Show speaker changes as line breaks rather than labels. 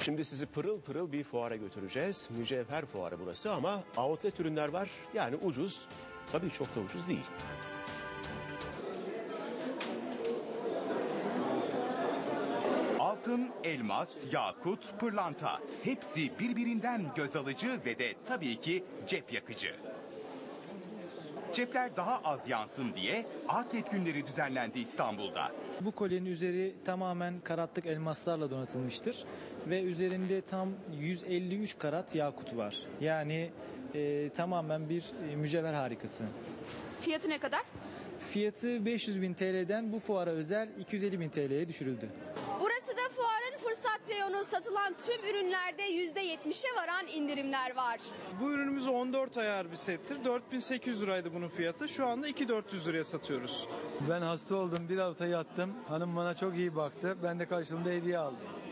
Şimdi sizi pırıl pırıl bir fuara götüreceğiz. Mücevher fuarı burası ama outlet ürünler var. Yani ucuz. Tabii çok da ucuz değil.
Altın, elmas, yakut, pırlanta hepsi birbirinden göz alıcı ve de tabii ki cep yakıcı. Cepler daha az yansın diye outlet günleri düzenlendi İstanbul'da.
Bu kolyenin üzeri tamamen karatlık elmaslarla donatılmıştır ve üzerinde tam 153 karat yakut var. Yani tamamen bir mücevher harikası.
Fiyatı ne kadar?
Fiyatı 500.000 TL'den bu fuara özel 250.000 TL'ye düşürüldü.
Burası da fuarın fırsat reyonu. Satılan tüm ürünlerde %70'e varan indirimler var.
Bu ürünümüz 14 ayar bir settir. 4.800 liraydı bunun fiyatı. Şu anda 2.400 liraya satıyoruz.
Ben hasta oldum. Bir hafta yattım. Hanım bana çok iyi baktı. Ben de karşılığında hediye aldım.